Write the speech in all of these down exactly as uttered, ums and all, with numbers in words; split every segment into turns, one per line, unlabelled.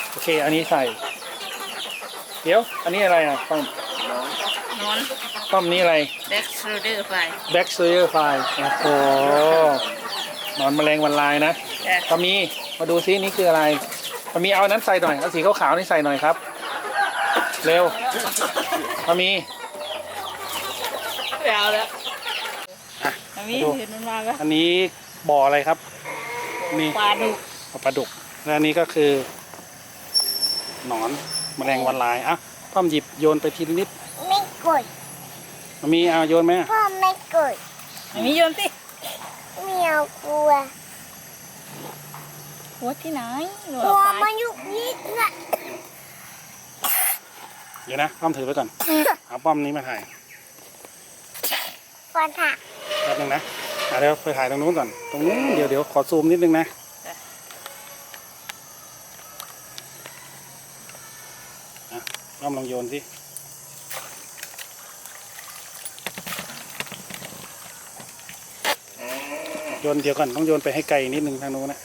โอเคอันนี้ใส่เดี๋ยวอันนี้อะไรอ่ะป้อม
นอน
ป้อมนี้อะไร
แบ็กโซเดอร์ไฟ
แบ็กเซอร์ไฟโอ้โหหนอนแมลงวันลายนะ
จ้ะ
ปามีมาดูซินี่คืออะไรปามีเอาอันนั้นใส่หน่อยเอาสีขาวๆนี่ใส่หน่อยครับเร็วปามี
ไม่เอาแล้ว
อ่ะ
อันนี้
มาดู
เห็นมันมาแล้ว
อันนี้บ่ออะไรครับนี่
ปลาดุก
ปลาดุกและอันนี้ก็คือ หนอนแมลงวันลายอ่ะป้อมหยิบโยนไปทีละนิด
ไม่กด
ปามีเอาโยนไหม
พ่อไม่กด
อันนี้โยนสิ
ไม่เอากลัว
หัวที่ไหนหนู
กลัว
เอาไป
มันยุกยิกนะ
เดี๋ยวนะป้อมถือไว้ก่อนเอาป้อมนี้มาถ่าย
ฟันหัก
แป๊บนึงนะอ่ะเดี๋ยวไปถ่ายตรงนู้นก่อนตรงนู้นเดี๋ยวเดี๋ยวขอซูมนิดนึงนะอ่ะป้อมลองโยนสิโยนเดี๋ยวก่อนต้องโยนไปให้ไกลนิดนึงทางนู้นนะ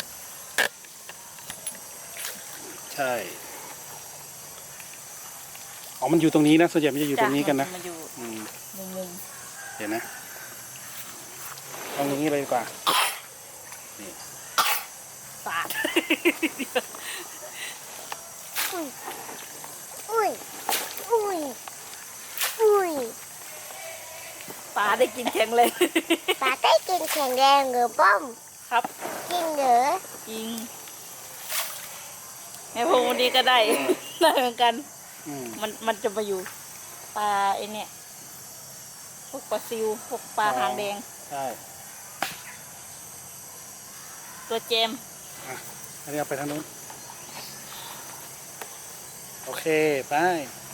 ใช่อ๋อมันอยู่ตรงนี้นะส่วนใหญ่มันจะอยู่ตรงนี้กันนะ
มันอยู่
อืม
มุมมุม
เดี๋ยวนะเอาตรงนี้เลยดีกว่า
ปาด
อุ้ยอุ้ยอุ้ยอุ้ย
ปลาได้กินแข็งเลย
ปลาได้กินแข็งแรงเหรือป้อม
ครับ
กินเหรอ
จริงแม่พงวันนี้ก็ได้ ได้เหมือนกัน
อืม
มันมันจะมาอยู่ปลาไอเนี่ยพวกปลาซิวพวกปลาหางแดง
ใช่
ตัวเจม
อันนี้เอาไปทางนู้นโอเคไป